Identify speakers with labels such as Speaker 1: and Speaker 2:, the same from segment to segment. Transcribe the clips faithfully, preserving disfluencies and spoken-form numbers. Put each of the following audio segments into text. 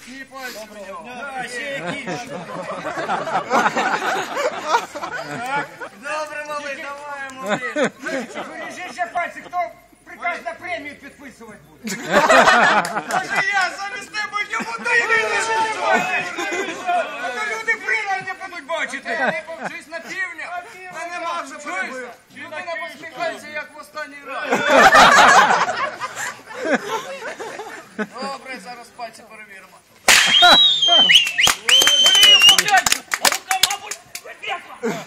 Speaker 1: Міцні пальці в нього.
Speaker 2: Да, ще які.
Speaker 1: Добре, малий, давай, малий.
Speaker 2: Бережіть ще пальці, хто приказ на премію підписувати буде?
Speaker 1: Може я замість тебе йому даю не
Speaker 2: А то люди прийняли не будуть бачити.
Speaker 1: Ти повчись на півня. Та нема вже прибив. Людина посміхається, як в останній раз. Добре, зараз пальці перевіримо.
Speaker 2: Волію поглянь, а рука, мабуть, випекла.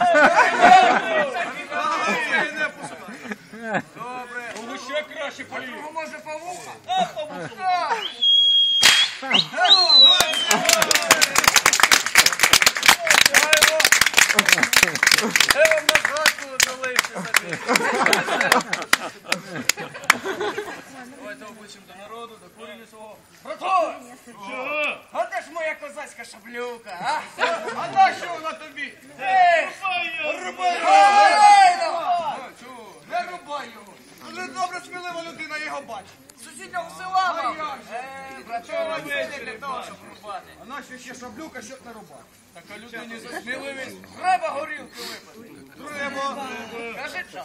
Speaker 1: Добре.
Speaker 2: Кому ще краще полію?
Speaker 1: Кого може павуха?
Speaker 2: А, павука.
Speaker 1: Я вам на згадку залишив собі. Давайте обличчям до народу, до курені свого.
Speaker 2: Братко,
Speaker 1: Чого?
Speaker 2: а де ж моя козацька шаблюка, а?
Speaker 1: А на що вона тобі?
Speaker 2: Ей,
Speaker 1: Рубай
Speaker 2: рубай
Speaker 1: його! Не рубай його! Дуже добре, смілива людина його бачить.
Speaker 2: з сусіднього села,
Speaker 1: А
Speaker 2: мам.
Speaker 1: як же?
Speaker 2: Ей, братко, це не для того, щоб рубати.
Speaker 1: А на що ще шаблюка, щоб не рубати?
Speaker 2: Така людині за сміливість треба горілки випити.
Speaker 1: Треба.
Speaker 2: Кажи час.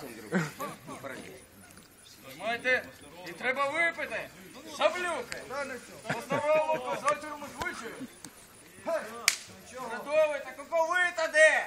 Speaker 2: Тримайте, і треба випити. Шаблюки. По здоровому козацькому звичаю. Братове, так оковита де?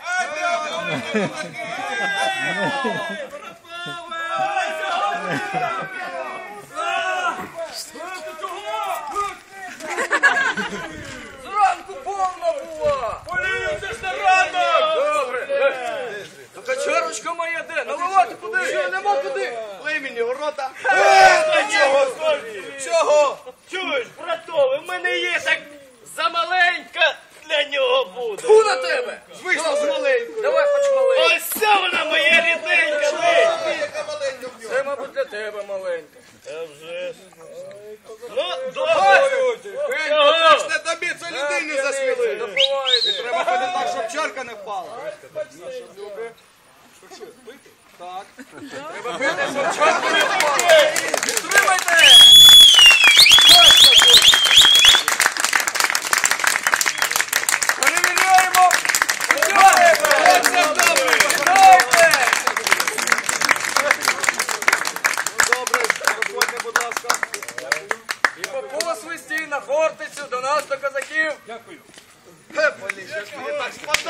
Speaker 2: Зранку повна була. Полію, це ж не рано. Добре. Така чарочка моя де? Наливати куди? Що, нема куди?
Speaker 1: Лей мені ворота.
Speaker 2: Чого?
Speaker 1: Чого?
Speaker 3: Чуєш, братове, в мене є так замаленька для нього буде.
Speaker 2: Фу на тебе.
Speaker 1: Вийшла з маленькою.
Speaker 2: Давай хоч малий.
Speaker 3: Ось це вона моя рідненька, ти.
Speaker 1: Яка маленька в нього.
Speaker 2: Це, мабуть, для тебе маленька.
Speaker 3: Та вже ж. Ну, добре.
Speaker 1: Пенько, це ж не тобі, це людині засмілити.
Speaker 2: Допивайте.
Speaker 1: Треба ходити так, щоб чарка не впала. Так.
Speaker 2: Треба пити, щоб чорти не впали. Підтримайте. Перевіряємо. Підтримайте. Підтримайте.
Speaker 1: Добре, проходьте, будь ласка.
Speaker 2: І по посвисті на фортецю до нас, до козаків.
Speaker 1: Поліща, так спадає.